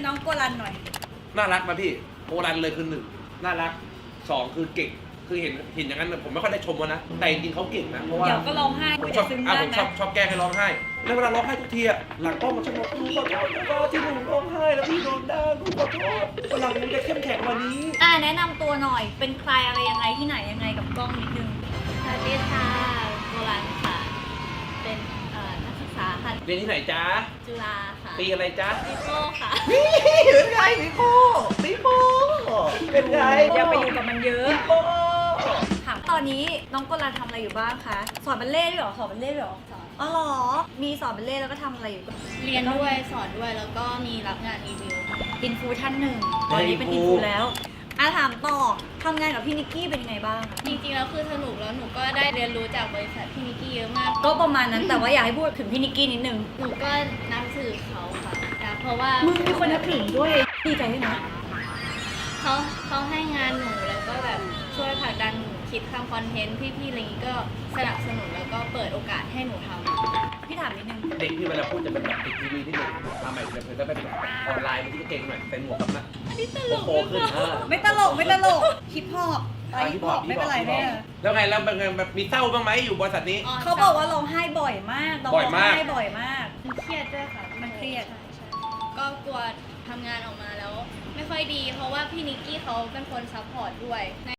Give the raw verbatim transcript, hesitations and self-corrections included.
น้องโกลันหน่อยน่ารักมาพี่โกลันเลยคือหนึ่งน่ารักสองคือเก่งคือเห็นเห็นอย่างนั้นผมไม่ค่อยได้ชมนะแต่จริงๆเขาเก่งนะเพราะว่าเดี๋ยวก็ร้องไห้ผมชอบซึ้งอ่ะได้ผมไหมชอบชอบแกล้งให้ร้องไห้แล้วเวลาร้องไห้ทุกทีอ่ะหลังกล้องมันชอบบอกกูขอโทษก็ที่หนูร้องไห้แล้วพี่โดนด่ากูขอโทษหลังมึงจะเข้มแข็งกว่านี้อ่าแนะนำตัวหน่อยเป็นใครอะไรยังไงที่ไหนยังไงกับกล้องนิดนึงสวัสดีค่ะโบราณค่ะ เป็นเอ่อนักศึกษาค่ะเรียนที่ไหนจ๊ะจุฬาค่ะปีอะไรจ๊ะปีโป้ค่ะนี่เป็นไงพี่โป้พี่โป้เป็นไงอย่าไปอยู่กับมันเยอะพี่โป้ถามตอนนี้น้องโกลันทำอะไรอยู่บ้างคะสอนบัลเล่ต์ด้วยเหรอสอนบัลเล่ต์ด้วยเหรอสอนอ๋อเหรอมีสอนบัลเล่ต์แล้วก็ทำอะไรอยู่เรียนด้วยสอนด้วยแล้วก็มีรับงานรีวิวค่ะอินฟูท่านหนึ่งตอนนี้เป็นอินฟูแล้วอ่ะถามต่อทำงานกับพี่นิกกี้เป็นยังไงบ้างคะจริงๆแล้วคือสนุกแล้วหนูก็ได้เรียนรู้จากบริษัทพี่นิกกี้เยอะมากก็ประมาณนั้นแต่ว่าอยากให้พูดถึงพี่นิกกี้นิดนึงหนูก็นับถือเขาค่ะนะเพราะว่ามึงมีคนนับถือด้วยดีใจด้วยนะเขาเขาให้งานหนูแล้วก็แบบช่วยผลักดันหนูคิดทำคอนเทนต์พี่ๆอะไรอย่างนี้ก็สนับสนุนแล้วก็เปิดโอกาสให้หนูทำพี่ถามนิดนึงเด็กที่เวลาพูดจะเป็นแบบเด็กทีวีที่เด็กทำใหม่จะเป็นแบบออนไลน์มันที่เก่งหน่อยเป็นหมวกกับนะโตขึ้นเออไม่ตลกไม่ตลกฮิปฮอปอะไรฮิปฮอปไม่เป็นไรแน่แล้วไงแล้วเป็นไงแบบมีเศร้าบ้างไหมอยู่บริษัทนี้เขาบอกว่าร้องไห้บ่อยมากร้องบ่อยมากไห้บ่อยมากมันเครียดด้วยค่ะมันเครียดใช่ใช่ก็กลัวทำงานออกมาแล้ว ไม่ค่อยดี เพราะว่าพี่นิกกี้เขาเป็นคนซัพพอร์ตด้วย